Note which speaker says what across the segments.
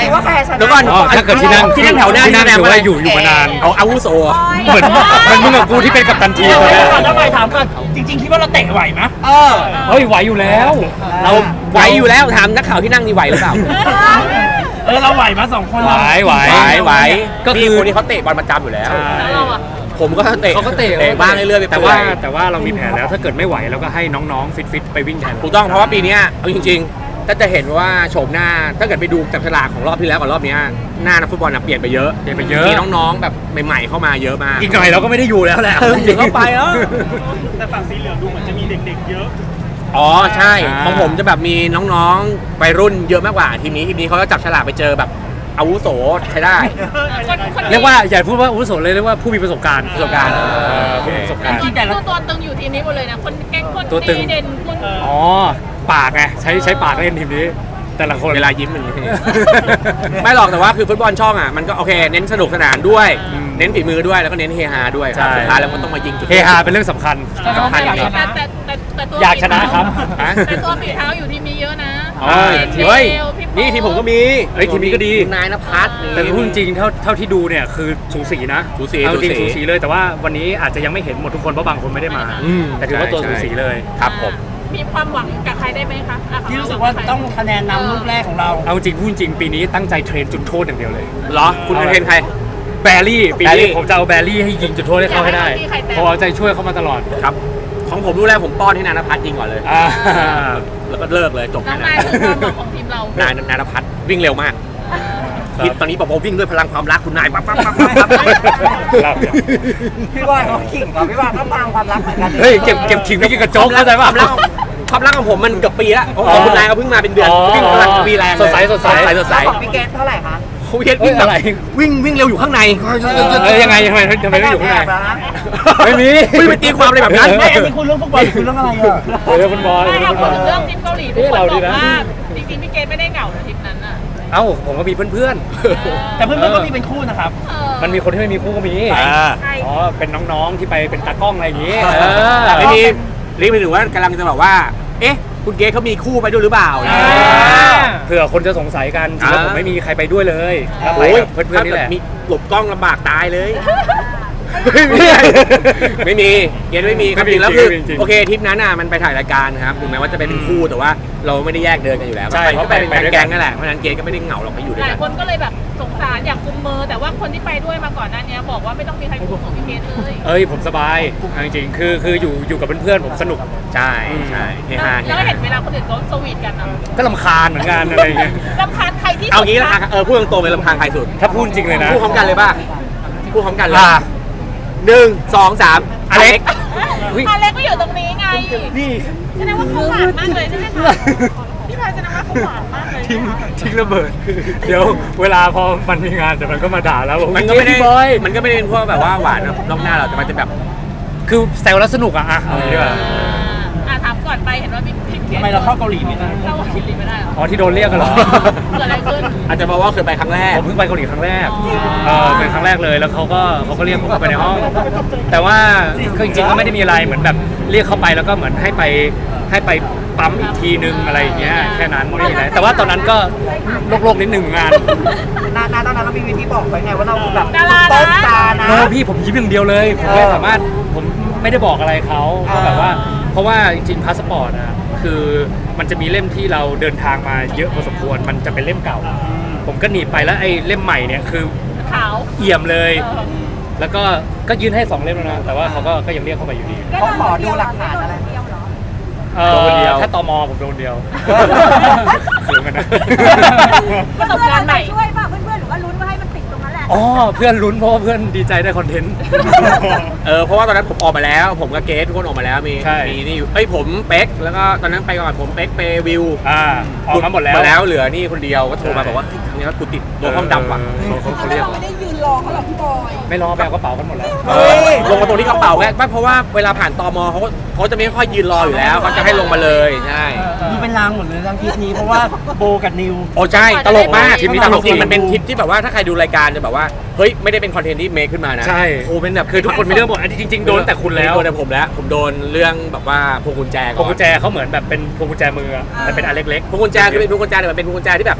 Speaker 1: ว่าใครชนะ
Speaker 2: เดี๋ยวก่อน
Speaker 3: ถ้าเกิดที่นั่ง
Speaker 2: แถวหน้า
Speaker 3: ที่นั่ง
Speaker 2: แสดง
Speaker 3: ถือ
Speaker 2: ว่า
Speaker 3: ว่าอยู่มานาน
Speaker 2: เอาอาวุโส
Speaker 3: เหมือนมึงกับกูที่เป็นกัปตันทีม
Speaker 4: เดี๋ยว
Speaker 3: เลย
Speaker 4: ก่อนแล้วไปถามก่อนจริงๆคิดว่าเราเตะไหวไหม
Speaker 3: เฮ้ยไหวอยู่แล้ว
Speaker 2: เราไหวอยู่แล้วถามนักข่าวที่นั่งนี่ไหวหรือเปล่า
Speaker 4: เราไหวมา2 คน
Speaker 2: ไหวก็
Speaker 3: ก็
Speaker 2: คื
Speaker 3: คือ อ
Speaker 2: คนที่เขาเตะบอลประจำอยู่แล้ว
Speaker 5: แล้วเราอะ
Speaker 2: ผมก็เตะ
Speaker 3: เขาก็เตะ
Speaker 2: บ้างเรื่อยๆไป
Speaker 3: แต่
Speaker 2: เปื่
Speaker 3: ว่า
Speaker 2: อย
Speaker 3: แต่ว่าเรามีแผนแล้วถ้าเกิดไม่ไหวเราก็ให้น้องๆฟิตไปวิ่งแทน
Speaker 2: ถูกต้องเพราะว่าปีนี้เอาจริงๆถ้าจะเห็นว่าโฉมหน้าถ้าเกิดไปดูจับฉลากของรอบที่แล้วกับรอบนี้หน้านักฟุตบอลเปลี่ยนไปเยอะมีน้องๆแบบใหม่ๆเข้ามาเยอะมาก
Speaker 3: อีกหน่อยเราก็ไม่ได้อยู่แล้วแหละ
Speaker 2: เดี๋ยวก็ไปแล้ว
Speaker 4: แต่ฝั่งสีเหลืองดูเหมือนจะมีเด็กๆเยอะ
Speaker 2: อ๋อใช่ของผมจะแบบมีน้องๆวัยรุ่นเยอะมากกว่าทีมนี้เขาจะจับฉลากไปเจอแบบอาวุโสใช้ได้
Speaker 3: เรียกว่าอย่าพูดว่าอาวุโสเลยเรียกว่าผู้มีประสบการณ์
Speaker 2: ประสบการณ์
Speaker 3: ผู้มีประสบการณ์
Speaker 4: จริงๆแต่ละ
Speaker 5: ตัวตึงอยู่ทีมนี้หมดเลยนะคนแก๊งคน
Speaker 3: ตัวตึง
Speaker 5: ดีเด่นคุณ
Speaker 3: อ๋อปากไงใช้ปากเล่นทีมนี้ แต่ละคน
Speaker 2: เวลายิ้มอย่างนี้ ไม่หรอกแต่ว่าคือฟุตบอลช่องอ่ะมันก็โอเคเน้นสนุกสนานด้วย เน้นฝีมือด้วยแล้วก็เน้นเฮฮาด้วยครับสุดท้ายแล้วมันต้องมายิงจุด
Speaker 3: เฮฮาเป็นเรื่องสำคัญ
Speaker 2: สำคัญอย่างนี้
Speaker 5: แต่ตัว
Speaker 3: อยากชนะครับ
Speaker 5: แต่ตัวฝีเท้าอยู่ทีมนี้เยอะนะ
Speaker 3: อ๋อ
Speaker 2: เฮ้ยนี่ทีมผมก็มี
Speaker 3: เฮ้ยทีมนี้ก็ดี
Speaker 2: นายณภัส
Speaker 3: แต่พูดจริงเท่าที่ดูเนี่ยคือสูสีนะ
Speaker 2: สูสี
Speaker 3: เอาจริง
Speaker 2: สูสี
Speaker 3: สูสีเลยแต่ว่าวันนี้อาจจะยังไม่เห็นหมดทุกคนเพราะบางคนไม่ได้มา แต่ถือว่าตัว
Speaker 2: ใช่
Speaker 3: สูสีเลย
Speaker 2: ครับผม
Speaker 5: มีความหวังกับใครได้ไหมคะอ่ะของ
Speaker 4: ที่
Speaker 5: เ
Speaker 4: รู้สึกว่าต้องคะแนนนำลูกแรกของเรา
Speaker 3: เอาจริงพูดจริงปีนี้ตั้งใจเทรนจุดโทษอย่างเดียวเลย
Speaker 2: เหรอคุณเทรนใคร
Speaker 3: แบรี่ปี
Speaker 2: แบรี่
Speaker 3: นี้ผมจะเอาแบรี่ให้ยิงจุดโทษให้เขาให้ได้เพราะเอาใจช่วยเขามาตลอด
Speaker 2: ครับของผมรู้แล้วผมป้อนให้นายณภัสยิงก่อนเลย
Speaker 3: อ่า
Speaker 2: แล้วก็เลิกเลยจบ
Speaker 5: น้อง
Speaker 2: แค่
Speaker 5: นาย
Speaker 2: นั้น
Speaker 5: คือความหวังของทีมเรา
Speaker 2: นายณภัสวิ่งเร็วมาก
Speaker 3: ครับ
Speaker 2: ตอนนี้ปอวิ่งด้วยพลังความรักคุณนายปั๊บ
Speaker 3: ครับ
Speaker 1: พี่บอยเขาขิงเหรอพี่บอยก็ฟังความรักเหมือนกัน
Speaker 3: เฮ้ยเก็บขิงไม่กินกระโจกเข้าใจป่ะ
Speaker 2: ความรักของผมมันเกือบปีแล้วของคุณนายเขาเพิ่งมาเป็นเดือนวิ่งพลังวีแรง
Speaker 3: สดใส
Speaker 2: สดใส
Speaker 1: ของพี่เกตเท่าไหร่คะ
Speaker 2: เขาวิ่งแบบวิ่งเร็วอยู่ข้างใน
Speaker 3: ยังไงทำไมไม่อยู่ข้างใน
Speaker 1: แล้วนะ
Speaker 3: ไม่มี
Speaker 2: ไม่ไปตีความอะไรแบบนั้น
Speaker 4: ไม่อันนี้คุณเรื่องฟุตบอลหรือคุณเรื่องอะไรอ่ะ
Speaker 3: เรื่องฟุตบอล
Speaker 5: ไม่
Speaker 3: เรื่อง
Speaker 5: เอา
Speaker 3: ฟุตบอล
Speaker 5: พูดถึงเรื่องทีมเกาหลีทุกคนบอกว่าจริงๆพี่เกดไม่ได้เหงาในทีมนั้นน่ะ
Speaker 3: เอ้าผมก็มีเพื่อน
Speaker 4: แต่เพื่อนๆก็มีเป็นคู่นะครับ
Speaker 3: ๆมันมีคนที่ไม่มีคู่ก็มี
Speaker 5: ใช่
Speaker 3: อ๋อเป็นน้องๆที่ไปเป็นตากล้องอะไรอย่างงี้
Speaker 2: ไม่มีรีบไปถึงว่ากำลังจะบอกว่า เอ๊ะ คุณเกย์เขามีคู่ไปด้วยหรือเปล่า
Speaker 3: เผื่อคนจะสงสัยกันจริงๆผมไม่มีใครไปด้วยเลยถ้าไป
Speaker 2: โอ้ย
Speaker 3: กับเพื่อนๆนี่แหละ
Speaker 2: มีหลบกล้องลำบากตายเลย ไม่มีเกย์ไม่มีครับจริงแล้วคือโอเคทริปนั้นน่ะมันไปถ่ายรายการครับถึงแม้ว่าจะเป็นคู่แต่ว่าเราไม่ได้แยกเดินกันอยู่แล้วก็ไปเป็นแก๊งนั่นแหละเพราะฉะนั้นเกย์ก็ไม่ได้เหงาหรอกไปอยู่ด้ว
Speaker 5: ห
Speaker 2: ย
Speaker 5: ลาย
Speaker 2: กัน
Speaker 5: คนก็เลยแบบสงสารอยากกุมมือแต่ว่าคนที่ไปด้วยมาก่อนหน้านี้บอกว่าไม่ต้องมีใครกุมของพี่เกดเลย
Speaker 3: เอ้ยผมสบายจริงๆคืออยู่กับเพื่อนๆผมสนุก
Speaker 2: ใช่เฮฮา
Speaker 5: แล้วเห็นเวลาคนอื่นเขาสวีทกันอ่ะ
Speaker 3: ก็ลำคาญเหมือนกันอะไรอย่างเงี้ย
Speaker 5: รำคาญใครที่
Speaker 2: เอางี้ละพูดตรงๆเลยลำพังใครสุด
Speaker 3: ถ้าพูดจริงเลยนะ
Speaker 2: พูดพร้อมกันเลยป่ะพูดพร้อมกันเลย
Speaker 3: อ่า
Speaker 2: 1 2 3อเล็ก
Speaker 5: อเล็กก็อยู่ตรงนี้ไง
Speaker 3: นี่
Speaker 5: แสดงว่าเขาหวานมากเลยใช่ไหมคะพี่พายแสดงว่าเขาหวานมากเลย
Speaker 3: ทิ้งระเบิด เดี๋ยวเวลาพอมันมีงานเดี๋ยวมันก็มาด่าแล้วบอก
Speaker 2: มันก็ไม่ได้
Speaker 3: บอย
Speaker 2: มันก็ไม่ได้เป็นพวกแบบว่าหวานนอกหน้าเราแต่มันจะแบบ
Speaker 3: คือแซวแล้วสนุกอะเอาอย่างนี้ดีกว่า
Speaker 5: ถามก่อนไปเห็นว่าพี่เกด
Speaker 4: ทำไมเราเข้าเกาหลีไม่ได้
Speaker 5: เข้าเกาหลีไม่ได้หรอ
Speaker 3: อ๋อที่โดนเรียกกันเหรอ
Speaker 5: เกิดอะไรขึ้น
Speaker 2: อาจจะเพราะว่าเคยไปครั้งแรก
Speaker 3: ผมเพิ่งไปเกาหลีครั้งแรกเป็นครั้งแรกเลยแล้วเขาก็เรียกผมเข้าไปในห้อง แต่ว่าก็จริงๆก็ไม่ได้มีอะไรเหมือนแบบเรียกเข้าไปแล้วก็เหมือนให้ไปปั๊มอีกทีนึงอะไรอย่างเงี้ยแค่นั้นไม่มีอะไรแต่ว่าตอนนั้นก็โลกนิดนึงงาน
Speaker 1: นาตอนนั้นเรามีวิธีบอกไปไงว่าเราแบบ
Speaker 5: ดารา
Speaker 1: ซุปเปอร์
Speaker 5: นะ
Speaker 1: สตาร์นะ
Speaker 3: โนพี่ผมยิ้มอย่างเดียวเลยผมไม่สามารถผมไม่ได้บอกอะไรเขาก็แบบว่าเพราะว่าจริงๆพาสปอร์ตอะคือมันจะมีเล่มที่เราเดินทางมาเยอะพอสมควรมันจะเป็นเล่มเก่า ผมก็หนีบไปแล้วไอ้เล่มใหม่เนี่ยคือ
Speaker 5: ขาว
Speaker 3: เอี่ยมเลย แล้วก็ยื่นให้2 เล่มแล้วนะแต่ว่าเขาก็ยังเรียกเข้าไปอยู่ดี
Speaker 1: เขาขอดูหลักฐานอะไร
Speaker 2: โดนเดียว
Speaker 3: ถ้าตมผมโดนเดียวเขินกันนะ
Speaker 5: ประสบการณ์ใหม่
Speaker 6: ช่วยป่ะเพื่อนๆหรือว่าลุ้นว่าให้มันติดตรงนั้นแหละ
Speaker 3: อ๋อเพื่อนลุ้นเพราะว่าเพื่อนดีใจได้คอนเทนต์
Speaker 2: เพราะว่าตอนนั้นผมออกมาแล้ว ผมกับเกสทุกคนออกมาแล้วมี
Speaker 3: ใช่
Speaker 2: นี่อยู่ผมเป๊กแล้วก็ตอนนั้นไปก่อนผมเป๊กเปวิว
Speaker 3: ออกมาหมดแล้ว
Speaker 2: เหลือนี่คนเดียวก็โทรมาบอกว่าครั้งนี้กูติดโดนห้องดำว่ะ
Speaker 3: เขาเรียก
Speaker 6: ไม่ได้ยืนรอเขาหรอกพี่บอย
Speaker 3: ไม่รอแบกกระเป๋ากันหมดแล้ว
Speaker 2: ลงมาตรงที่กระเป๋าแค่เพราะว่าเวลาผ่านตมเขาจะไม่ค่อยยืนรออยู่แล้วเขาจะให้ลงมาเลยใช่
Speaker 4: ดูเป็นรางหมดเลยรางทริปนี้เพราะว่าโบกับนิว
Speaker 2: โอ้ใช่ตลกมาก
Speaker 3: ทริปนี้
Speaker 2: ตลกจริง
Speaker 3: ตลกจริง
Speaker 2: มันเป็นทริปที่แบบว่าถ้าใครดูรายการจะแบบว่าเฮ้ยไม่ได้เป็นคอนเทนต์ที่เมคขึ้นมานะ
Speaker 3: ใช่
Speaker 2: โอ้เป็นแบบ
Speaker 3: คือทุกคนมีเรื่องหมดอันนี้จริงๆโดนแต่คุณแล้ว
Speaker 2: โดนแต่ผมแล้วผมโดนเรื่องแบบว่าพวงกุญแจ
Speaker 3: พวงกุญแจเขาเหมือนแบบเป็นพวงกุญแจมือแต่เป็นอันเล็ก
Speaker 2: พวงกุญแจคือเป็นพวงกุญแจแต่มันเป็นพวงกุญแจที่แบบ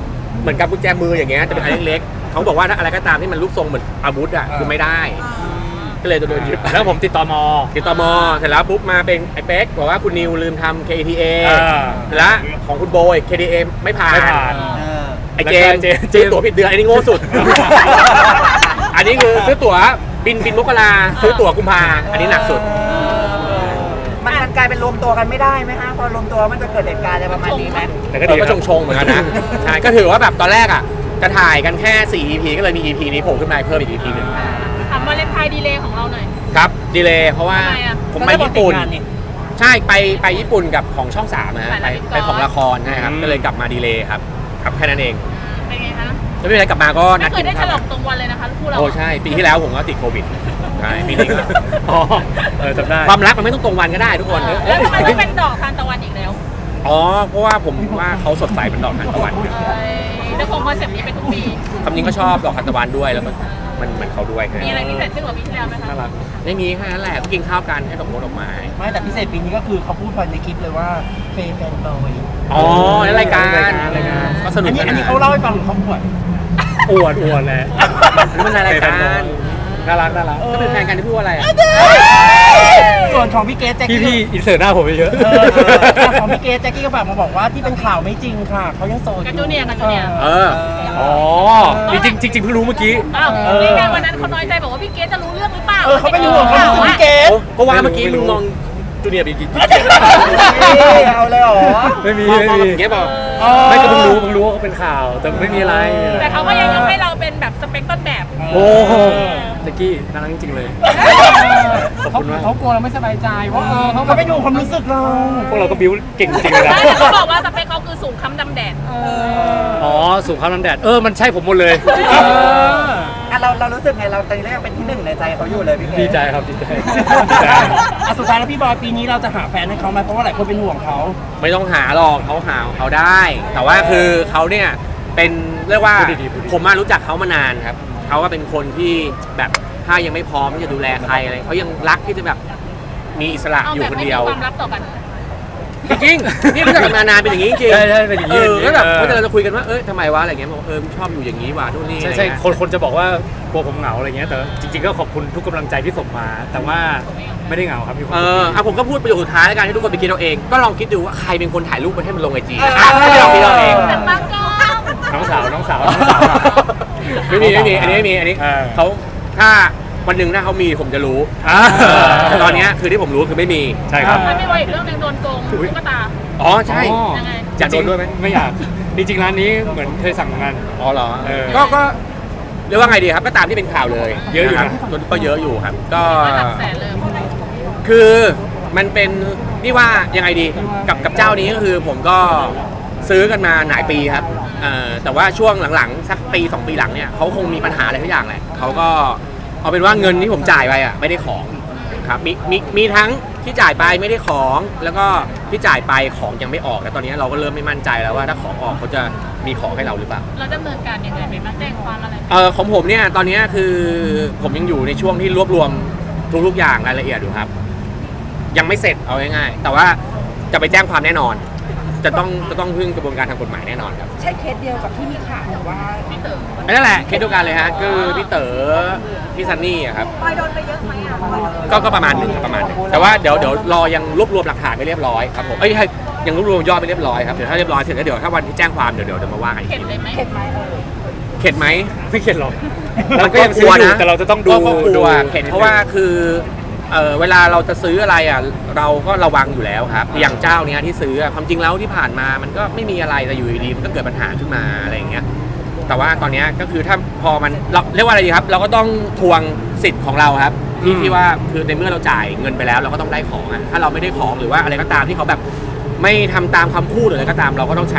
Speaker 2: เหมือนกับกุญแจมืออย่างเงี้ยจะเป็นอันเล็กๆเขาบอกว่าถ้าอะไรก็ตามที่มันรูปทรงเหมือนอาวุธอ่ะคือไม่ได้ก็เลยจะโดนยึด
Speaker 3: แล้วผมติดต่อม
Speaker 2: เสร็จแล้วปุ๊บมาเป็นไอ้เป๊กบอกว่าคุณนิวลืมทำ KTA แล้วของคุณโบย KTA ไม่ผ่านไอ้เจมซื้อตั๋วผิดเดือนอันนี้โง่สุด อันนี้คือซื้อตั๋วบินมกราซื้อตั๋วกุมภาอันนี้หนักสุด
Speaker 1: มันกลายเป็นรวมตัวกันไม่ได้ไหมฮะพอรวมตัวมันจะเกิดเหตุการณ์อะไรประมาณนี้ไหม
Speaker 3: แต่ก็ดี
Speaker 2: ก็ชงๆเหมือนกันนะใช่ก็ถือว่าแบบตอนแรกอ่ะจะถ่ายกันแค่4 EP ก็เลยมี EP นี้โผล่ขึ้นมาเพิ่มอีก EP หนึ่ง
Speaker 5: ถามวาเลนไทน์ดีเลย์ของเราหน่อย
Speaker 2: ครับดีเลยเพราะว่า
Speaker 5: ทำไมอะ
Speaker 2: ผมไปญี่ปุ่นใช่ไปญี่ปุ่นกับของช่อง3นะฮะไปของละครนะครับก็เลยกลับมาดีเลยครับแค่นั้นเอง
Speaker 5: เป็นไงคะ
Speaker 2: แล้วไม่เป็นไรกลับมาก็นั
Speaker 5: ไม่
Speaker 2: ด
Speaker 5: เคยได้ฉลองตรงวันเลยนะคะคู่เรา
Speaker 2: โอ้ใช่ปีที่แล้วผมก็ติดโควิดใช่ปีนี้ก็
Speaker 3: อ๋อจำได้
Speaker 2: ความรักมันไม่ต้องตรงวันก็ได้ทุกคน
Speaker 5: แล้วทำไมไม่เป็นดอกทานตะวันอีกแล้ว
Speaker 2: อ๋อเพราะว่าผมว่าเขาสดใสเป็นดอกทานตะวัน
Speaker 5: จะคงคอนเซ็ปต์นี้เป็นทุกปี
Speaker 2: คำนี้ก็ชอบดอกทานตะวันด้วยแล้วมันเหมือนเขาด้วย
Speaker 5: มีอะไรพิเศษขึ้นกว่าปีที่แล้วไหมคะ
Speaker 3: น่ารัก
Speaker 2: ไม่มีแค่นั้นแหละกินข้าวกันให้ดอกไม้
Speaker 4: ไม่แต่พิเศษปีนี้ก็คือเขาพูดไปในคลิปเลยว่าเฟย์แฟนบอย
Speaker 2: อ๋อในรายการก็สนุก
Speaker 4: อันนี้เขาเล่าให้ฟังหรือเขาป่วย
Speaker 3: อวดแหละ
Speaker 2: นี่มันรายการ
Speaker 3: น่ารัก
Speaker 2: ก็เป็นแฟนกันที่พูดอะไรอ่ะ
Speaker 4: ส่วนของพี่เกสแจ็คกี้
Speaker 3: พี่อินเสิร์ตหน้าผมไปเยอะ
Speaker 4: ของพี่เกสแจ็คกี้ก็ฝากมาบอกว่าที่เป็นข่าวไม่จริงค่ะเขายังโสดอยู่
Speaker 5: กับจูเนียร์กับจูเนียร์
Speaker 3: อ๋อจริงเพิ่งรู้เมื่อกี้
Speaker 5: อ้าวนี่ไงวันนั้นเขาน้อยใจบอกว่าพี่เกสจะรู้เรื่องหรือเปล่า
Speaker 4: เขาเป็นห่วงเขาเป็นพี่เกส
Speaker 2: ก็ว่าเมื่อกี้มึงมองจูเนียร์ไปกี่
Speaker 4: เอาเลยเหรอ
Speaker 3: ไม่มี
Speaker 2: เงี้ยบอก
Speaker 3: ไม่ก็เพิ่งรู้ว่าเขาเป็นข่าวแต่ไม่มีอะไร
Speaker 5: แต่เขาก็ยังยกให้เราเป็นแบบสเปคต้นแบบ
Speaker 3: โอ้โหแจ็คกี้น่ารักจริงๆเลยขอบคุณมาก
Speaker 4: เขากลัวเราไม่สบายใจว่าเขาเป็นห่วงความรู้สึกเรา
Speaker 3: พวกเราก็บิ้วเก่งจริงเลยนะ
Speaker 5: แต่เขาบอกว่าสเปคเขาคือสูงค้ำดำแดด
Speaker 3: อ๋อสูงข้ามน้ำแดดมันใช่ผมหมดเลย
Speaker 1: เรารู้สึกไงเราตอนนี้ยังเป็นที่หนึ่งในใจเขาอยู่เลยพี่เก
Speaker 3: ดีใจครับดีใจ
Speaker 4: สุดท้ายแล้วพี่บอยปีนี้เราจะหาแฟนให้เขาไหมเพราะว่าหลายคนเป็นห่วงเขา
Speaker 2: ไม่ต้องหาหรอกเขาหาเขาได้ แต่ว่าคือเขาเนี่ยเป็นเรียกว่าผมมารู้จักเขามานานครับเขาก็เป็นคนที่แบบถ้ายังไม่พร้อมที่จะดูแลใครอะไรเขายังรักที่จะแบบมีอิสระ
Speaker 5: เอา
Speaker 2: อยู่
Speaker 5: แบบ
Speaker 2: คน
Speaker 5: ไม่มี
Speaker 2: เดียว
Speaker 5: ความลับต่อกัน
Speaker 2: จริงๆนี่รู้จักกันมานานเป็นอย่างนี้จริง
Speaker 3: ใช่เป็นอย่างนี้
Speaker 2: ก็แบบเมื่อเราจะคุยกันว่าทำไมวะอะไรเงี้ยบอกชอบอยู่อย่างนี้ว่ะนู่นนี่
Speaker 3: ใช่คนจะบอกว่ากลัวผมเหงาอะไรเงี้ยแต่จริงๆก็ขอบคุณทุกกำลังใจที่ส่งมา แต่ว่าไม่ได้เหงาครับมีความสุข
Speaker 2: ผมก็พูดประโยคสุดท้ายแล้วกันให้ทุกคนไปคิดเอาเองก็ลองคิดดูว่าใครเป็นคนถ่ายรูปไปให้มันลงไอจีให้ลองคิดเอาเอง
Speaker 5: แต่บางกอง
Speaker 3: น้องสาว
Speaker 2: ไม่มีอันนี้ไม่มีอันนี้เขาถ้าวันหนึ่งถ้าเขามีผมจะรู้แต่ตอนนี้คือที่ผมรู้คือไม่มี
Speaker 3: ใช่ครับ
Speaker 5: มันไม่ไวอีกเรื่องหนึงโดนโกงตุ๊กตา
Speaker 2: อ๋อใช่
Speaker 5: ยังไง
Speaker 2: อยากโดนด้วยไหม
Speaker 3: ไม่อยากจริงๆร้านนี้เหมือนเคยสั่งงาน
Speaker 2: อ๋อเหรอ
Speaker 3: ก็
Speaker 2: ก็เรียกว่าไงดีครับก็ตามที่เป็นข่าวเลย
Speaker 3: เยอะอยู่นะ
Speaker 2: ก็เยอะอยู่ครับก็
Speaker 5: หลักแสนเลย
Speaker 2: คือมันเป็นนี่ว่ายังไงดีกับเจ้านี้ก็คือผมก็ซื้อกันมาหลายปีครับแต่ว่าช่วงหลังๆสักปี2 ปีหลังเนี่ยเขาคงมีปัญหาอะไรทุกอย่างแหละเขาก็เอาเป็นว่าเงินที่ผมจ่ายไปไม่ได้ของครับมีทั้งที่จ่ายไปไม่ได้ของแล้วก็ที่จ่ายไปของยังไม่ออกแล้วตอนนี้เราก็เริ่มไม่มั่นใจแล้วว่าถ้าของออกเขาจะมีของให้เราหรือเปล่า
Speaker 5: เราดำเนินการยังไงไปบ้างแจ้งความอะไร
Speaker 2: ของผมเนี่ยตอนนี้คือผมยังอยู่ในช่วงที่รวบรวมทุกๆอย่างรายละเอียดอยู่ครับยังไม่เสร็จเอาง่ายๆแต่ว่าจะไปแจ้งความแน่นอนจะต้องพึ่งกระบวนการทางกฎหมายแน่นอนครับ
Speaker 6: ใช่เคสเดียวกับที่มีข่าวว่า
Speaker 5: พี่เต๋อ
Speaker 2: นั่นแหละเคสเดียวกันเลยฮะคือพี่เต๋อพี่ซันนี่อะครับ
Speaker 6: บอยโดนไปเยอะไหมอ่ะบอยโดน
Speaker 2: ก็ประมาณหนึ่งแต่ว่าเดี๋ยวรอยังรวบรวมหลักฐานไม่เรียบร้อยครับผมยังรวบรวมยอดไม่เรียบร้อยครับเดี๋ยวถ้าเรียบร้อยเสร็จแล้วเดี๋ยวถ้าวันที่แจ้งความเดี๋ยวมาว่ากันอีก
Speaker 5: เข็ด
Speaker 2: ที
Speaker 5: เลยไหม
Speaker 6: เข็ดไหม
Speaker 2: เข็ดไหม
Speaker 3: ไม่เข็ดหรอก
Speaker 2: เรา
Speaker 3: เรา
Speaker 2: ก็
Speaker 3: ก็
Speaker 2: ยั
Speaker 3: ยัง ง
Speaker 2: ซื้
Speaker 3: ซื้
Speaker 2: อ
Speaker 3: อ
Speaker 2: อยู่
Speaker 3: อยู่แต่เราจะต้องดู
Speaker 2: ก็กลัวเข็ดเพราะว่าคือเวลาเราจะซื้ออะไรอ่ะเราก็ระวังอยู่แล้วครับอย่างเจ้าเนี้ยที่ซื้อความจริงแล้วที่ผ่านมามันก็ไม่มีอะไรแต่อยู่ดีๆมันก็เกิดปัญหาขึ้นมาอะไรอย่างเงี้ยแต่ว่าตอนนี้ก็คือถ้าพอมันเราเรียกว่าอะไรดีครับเราก็ต้องทวงสิทธิ์ของเราครับที่ว่าคือในเมื่อเราจ่ายเงินไปแล้วเราก็ต้องได้ของอ่ะถ้าเราไม่ได้ของหรือว่าอะไรก็ตามที่เขาแบบไม่ทำตามคำพูดหรืออะไรก็ตามเราก็ต้องใช้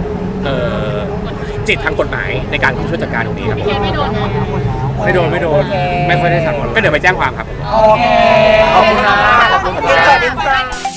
Speaker 2: จิตทางกฎหมายในการช่วยจัดการตรงนี้ครับ
Speaker 5: พี่เกดไม่โดนนะ
Speaker 3: ไม่โดนไม่ค่อยได้สั่ง
Speaker 2: ก็เดี๋ยวไปแจ้งความครับ
Speaker 1: โอเคขอบคุณครับขอบคุณครับ